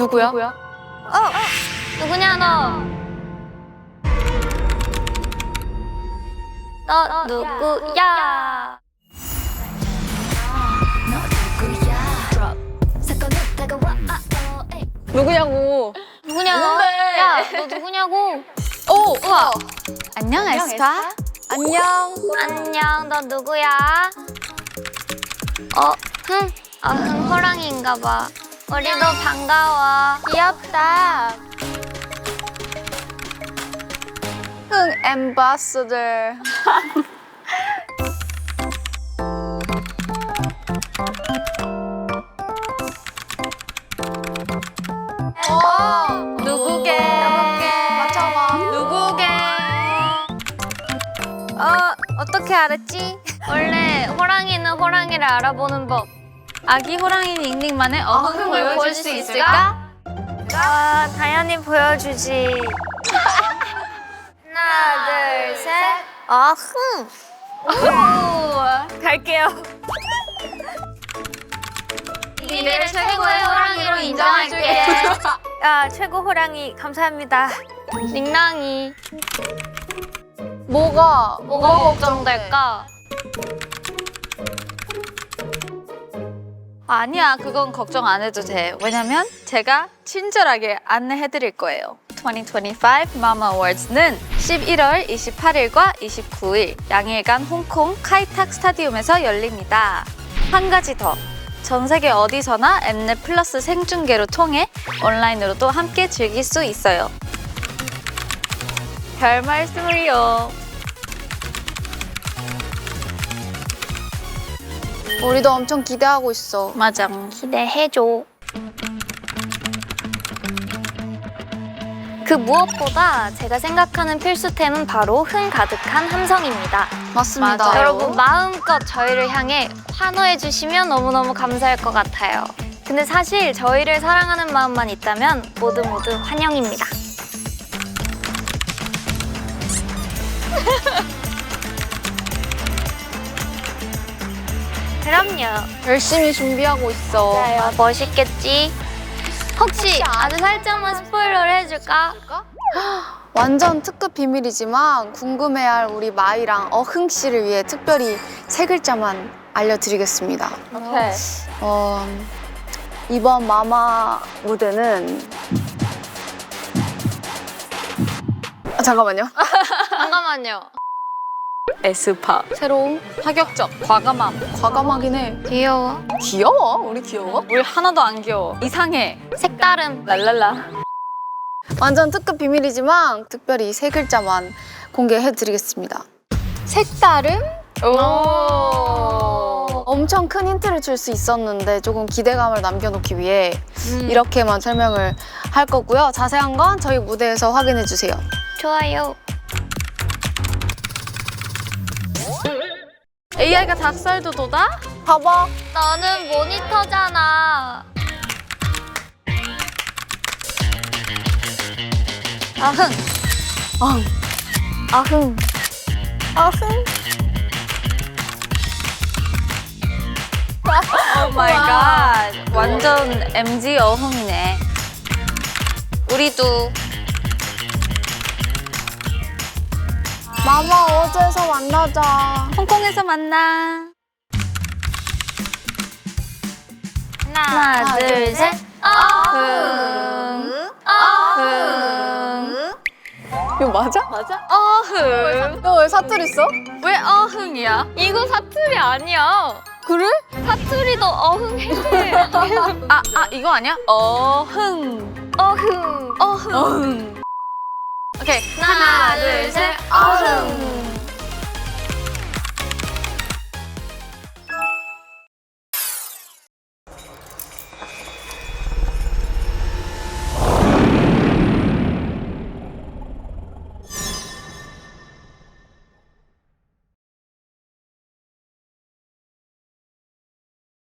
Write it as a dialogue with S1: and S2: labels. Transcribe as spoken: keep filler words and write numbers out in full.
S1: 누구야?
S2: 어, 누구냐 너? 너 누구야?
S1: 누구냐고.
S2: 누구냐 너? 야, 너 누구냐고?
S1: 오, 우와.
S3: 안녕, 에스파.
S1: 안녕.
S2: 안녕, 너 누구야? 어, 흥. 아, 흥 호랑이인가 봐. 우리도 반가워.
S3: 귀엽다. 흥 엠바서더.
S2: 어,
S3: 누구게?
S1: 맞춰봐.
S3: 누구게? 어, 어떻게 알았지?
S2: 원래 호랑이는 호랑이를 알아보는 법.
S3: 아기 호랑이 닝닝만의 어흥을
S2: 흥을
S3: 보여줄 수 있을까?
S2: 아, 당연히 보여주지. 하나, 둘, 셋. 아, 흥.
S3: 오, 갈게요.
S2: 니를 최고의 호랑이로 인정할게.
S3: 아, 최고 호랑이 감사합니다.
S2: 닝랑이.
S1: 뭐가?
S2: 뭐가 걱정될까?
S3: 아니야, 그건 걱정 안 해도 돼. 왜냐면 제가 친절하게 안내해 드릴 거예요. 이천이십오 마마 어워즈는 십일월 이십팔일과 이십구일 양일간 홍콩 카이탁 스타디움에서 열립니다. 한 가지 더. 전 세계 어디서나 엠넷 플러스 생중계로 통해 온라인으로도 함께 즐길 수 있어요. 별 말씀을요.
S1: 우리도 엄청 기대하고 있어.
S3: 맞아.
S2: 기대해줘. 그 무엇보다 제가 생각하는 필수템은 바로 흥 가득한 함성입니다.
S1: 맞습니다.
S3: 맞아요.
S2: 여러분 마음껏 저희를 향해 환호해 주시면 너무너무 감사할 것 같아요. 근데 사실 저희를 사랑하는 마음만 있다면 모두 모두 환영입니다. 그럼요.
S1: 열심히 준비하고 있어.
S2: 맞아요. 멋있겠지? 혹시 아주 살짝만 스포일러를 해줄까?
S1: 완전 특급 비밀이지만 궁금해할 우리 마이랑 어흥 씨를 위해 특별히 세 글자만 알려드리겠습니다.
S3: 오케이.
S1: 어, 이번 마마 무대는 아, 잠깐만요.
S2: 잠깐만요.
S3: 에스파. 새로운 파격적 과감함.
S1: 과감하긴 해.
S2: 귀여워.
S1: 귀여워? 우리 귀여워?
S3: 우리 하나도 안 귀여워. 이상해.
S2: 색다름.
S3: 랄랄라.
S1: 완전 특급 비밀이지만 특별히 세 글자만 공개해드리겠습니다. 색다름?
S3: 오.
S1: 엄청 큰 힌트를 줄 수 있었는데 조금 기대감을 남겨놓기 위해
S3: 음.
S1: 이렇게만 설명을 할 거고요. 자세한 건 저희 무대에서 확인해 주세요.
S2: 좋아요.
S3: 에이아이가 닭살도 돋아?
S1: 봐봐.
S2: 너는 모니터잖아.
S3: 아흥.
S1: 어.
S2: 아흥. 아흥.
S3: 오 마이 갓. 완전 엠지 어흥이네. 우리도.
S1: 마마 어제서 만나자.
S3: 홍콩에서 만나.
S2: 하나,
S3: 하나,
S2: 둘,
S3: 둘,
S2: 셋.
S3: 셋.
S2: 아흥. 아흥.
S1: 이거 맞아?
S3: 맞아? 어흥.
S1: 너 왜 사투리 써?
S3: 왜 어흥이야?
S2: 이거 사투리 아니야.
S1: 그래?
S2: 사투리도 어흥해.
S3: 아, 아, 이거 아니야? 어흥.
S2: 어흥.
S3: 어흥. 오케이.
S2: 하나, 둘, 셋. 어흥.